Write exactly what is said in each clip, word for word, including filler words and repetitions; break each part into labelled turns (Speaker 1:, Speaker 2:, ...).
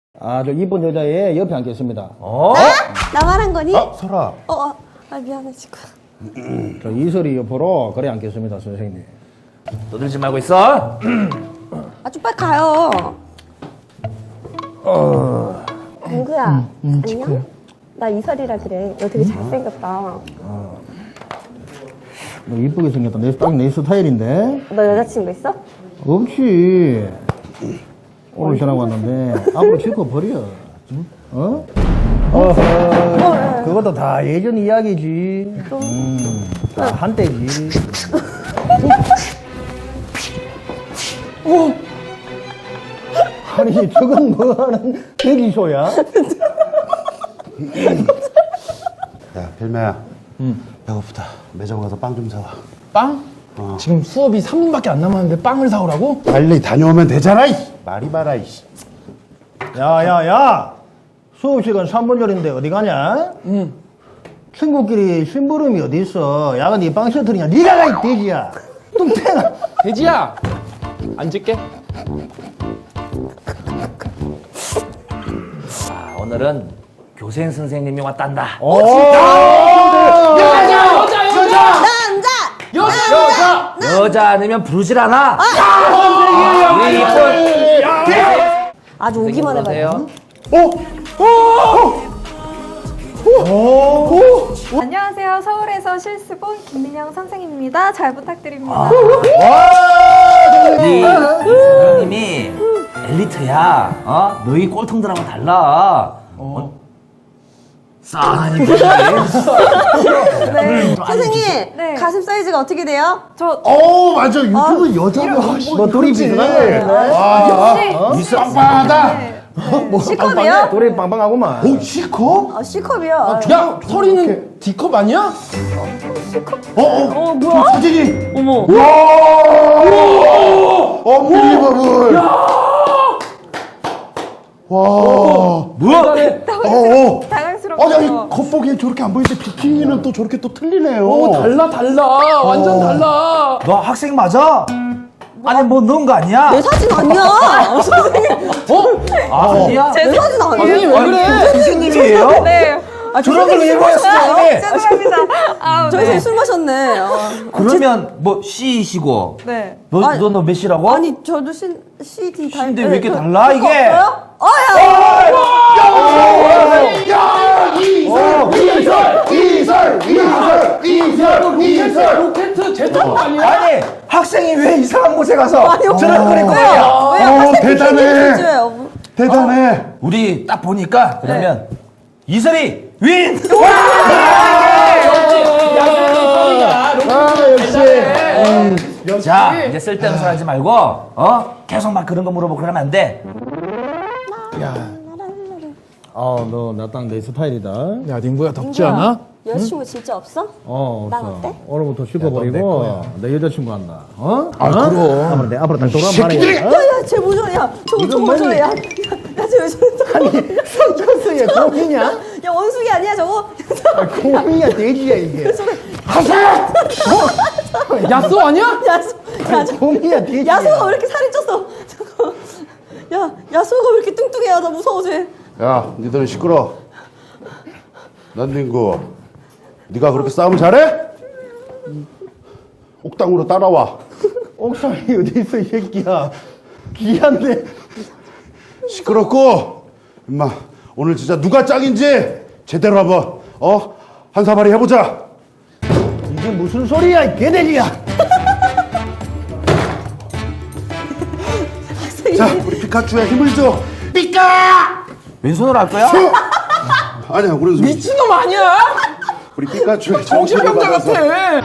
Speaker 1: 아주 이쁜 여자의 옆에 앉겠습니다.
Speaker 2: 어?
Speaker 3: 나 말한 거니?
Speaker 4: 아, 설아.
Speaker 3: 어, 어. 아, 미안해, 지금.
Speaker 1: 저 이설이 옆으로 그래 앉겠습니다, 선생님.
Speaker 2: 떠들지 말고 있어.
Speaker 3: 아, 좀 빨리 가요. 어. 공구야, 안녕? 나 이설이라 그래. 너 되게 잘생겼다.
Speaker 1: 너 이쁘게 생겼다. 내, 딱 내 스타일인데?
Speaker 3: 너 여자친구 있어?
Speaker 1: 없지. 오늘 전화 왔는데 앞으로 실컷 버려. 응? 어? 어허, 그것도 다 예전 이야기지. 음, 다 한때지. 어? 아니, 저건 뭐 하는 대기쇼야?
Speaker 4: 야, 별매야. 응. 배고프다. 매장 가서 빵 좀 사와.
Speaker 5: 빵?
Speaker 4: 어.
Speaker 5: 지금 수업이 삼 분밖에 안 남았는데 빵을 사오라고?
Speaker 4: 빨리 다녀오면 되잖아, 이 말이 많아, 이씨.
Speaker 1: 야, 야, 야! 수업 시간 삼 분 전인데 어디 가냐?
Speaker 5: 응.
Speaker 1: 친구끼리 심부름이 어디 있어? 야가 네 빵 셔틀이냐? 네가 가, 이 돼지야! 뚱땡아!
Speaker 5: 돼지야! 앉을게.
Speaker 2: 아, 오늘은 교생 선생님이 왔단다.
Speaker 1: 오!
Speaker 5: 여자! 여자! 여자!
Speaker 3: 남자!
Speaker 5: 여자! 여자!
Speaker 2: 여자 아니면 부르질 않아. 우리 이쁜
Speaker 3: 아주 오기만 해봐요.
Speaker 6: 안녕하세요. 서울에서 실습 온 김민영 선생입니다. 잘 부탁드립니다.
Speaker 2: 우리 선생님이 엘리트야. 어? 너희 꼴통들하고 달라. 어? 싸하니 보이네.
Speaker 3: 네. 선생님,
Speaker 6: 네.
Speaker 3: 가슴 사이즈가 어떻게 돼요?
Speaker 6: 저
Speaker 4: 어, 맞아. 유튜브 여자가.
Speaker 1: 뭐 둘이 비슷하네.
Speaker 6: 혹시
Speaker 4: 빵빵하다.
Speaker 6: 네.
Speaker 3: C컵이요?
Speaker 1: 둘이 빵빵하구만.
Speaker 4: 오, C컵?
Speaker 3: 어, C컵이요.
Speaker 5: 야! 서리는 D컵 아니야?
Speaker 4: 어, 어,
Speaker 3: 어, 뭐야?
Speaker 4: 사진이.
Speaker 3: 어머.
Speaker 4: 와! 언빌리버블. 와.
Speaker 2: 뭐야?
Speaker 4: 어, 어.
Speaker 6: 당황스럽고.
Speaker 4: 아니, 아니, 겉보기엔 저렇게 안 보이는데 비키니는 또 저렇게 또 틀리네요.
Speaker 5: 오, 달라, 달라. 완전 달라.
Speaker 2: 너 학생 맞아? 아니 뭐 넣은 거 아니야?
Speaker 3: 내 사진 아니야. 선생님,
Speaker 2: 아, 아니야?
Speaker 3: 내 사진
Speaker 5: 선생님
Speaker 3: 아니에요.
Speaker 5: 왜 그래?
Speaker 2: 선생님이에요?
Speaker 6: 네.
Speaker 3: 아,
Speaker 2: 저런 걸 왜 보였어요?
Speaker 6: 죄송합니다. 아,
Speaker 3: 저희
Speaker 6: 네.
Speaker 3: 선생님 술 마셨네. 어.
Speaker 2: 그러면 뭐 C이시고
Speaker 6: 네.
Speaker 2: 너
Speaker 3: 아니,
Speaker 2: 너 너 몇이라고?
Speaker 3: 아니, 저도 C, C, D 다
Speaker 2: C인데 왜 이렇게
Speaker 3: 저-
Speaker 2: 달라,
Speaker 3: 그거
Speaker 2: 이게?
Speaker 3: 없어요? 어, 야!
Speaker 4: 야, 이설, 이설, 이설, 이설, 이설, 이설.
Speaker 5: 로켓 제트거 아니야?
Speaker 2: 아니 학생이 왜 이상한 곳에 가서
Speaker 3: 아니,
Speaker 2: 저런 거를
Speaker 3: 왜요?
Speaker 2: 거야?
Speaker 3: 왜요?
Speaker 4: 어,
Speaker 3: 학생
Speaker 4: 대단해.
Speaker 3: 비키니 퀴즈예요.
Speaker 4: 대단해.
Speaker 2: 우리 딱 보니까 그러면 이설이 윈!
Speaker 4: 아, 역시.
Speaker 2: 자 이제 쓸데없는 소리 하지 말고 어 계속 막 그런 거 물어보고 그러면 안 돼.
Speaker 1: 아, 너 나 딱 내 스타일이다.
Speaker 5: 야, 닝구야 덥지 않아?
Speaker 3: 여자친구 진짜 없어?
Speaker 1: 어,
Speaker 3: 나
Speaker 1: 없어.
Speaker 3: 어때?
Speaker 1: 오늘부터 씻어버리고 내 여자친구 한다. 어?
Speaker 5: 아, 그럼.
Speaker 1: 앞으로 내 앞으로 딱 돌아만 말해.
Speaker 3: 야, 야, 쟤 뭐죠? 야, 저거,
Speaker 1: 이건
Speaker 3: 저거, 저거,
Speaker 1: 뭔데?
Speaker 3: 야. 야, 야, 쟤 왜 저래?
Speaker 1: 아니, 성천수의 공이냐?
Speaker 3: 야, 원숭이 아니야, 저거?
Speaker 1: 공이야, 돼지야, 이게.
Speaker 5: 야쏘 아니야?
Speaker 3: 야수, 야, 저,
Speaker 1: 공이야, 돼지야.
Speaker 3: 야수가 왜 이렇게 살이 쪘어? 저거. 야, 야수가 왜 이렇게 뚱뚱해요? 나 무서워, 쟤.
Speaker 4: 야, 니들은 시끄러. 난 닝구. 네가 그렇게 싸움 잘해? 옥당으로 따라와.
Speaker 1: 옥상이 어디 있어, 이 새끼야. 귀한데.
Speaker 4: 시끄럽고. 임마, 오늘 진짜 누가 짱인지 제대로 한번 어? 한 사발이 해보자.
Speaker 1: 이게 무슨 소리야, 이 개돼지야.
Speaker 4: 자, 우리 피카츄의 힘을 줘. 피카!
Speaker 2: 왼손으로 할 거야?
Speaker 4: 아니야, 우리
Speaker 5: 미친놈 아니야?
Speaker 4: 우리 피카츄의 정신을
Speaker 5: 정신병자
Speaker 4: 받아서.
Speaker 5: 같아.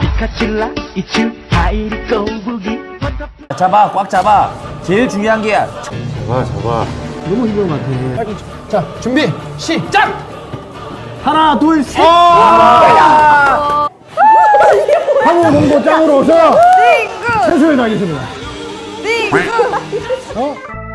Speaker 2: 잡아 꽉 잡아. 제일 중요한 게야.
Speaker 4: 잡아, 잡아.
Speaker 1: 너무 힘든 것 같아.
Speaker 5: 자, 준비, 시작!
Speaker 1: 하나, 둘, 셋.
Speaker 2: 아!
Speaker 1: 한국 공보 짱으로 오셔.
Speaker 6: 띵구!
Speaker 1: 최선을 다하겠습니다.
Speaker 6: 띵구!
Speaker 1: 어?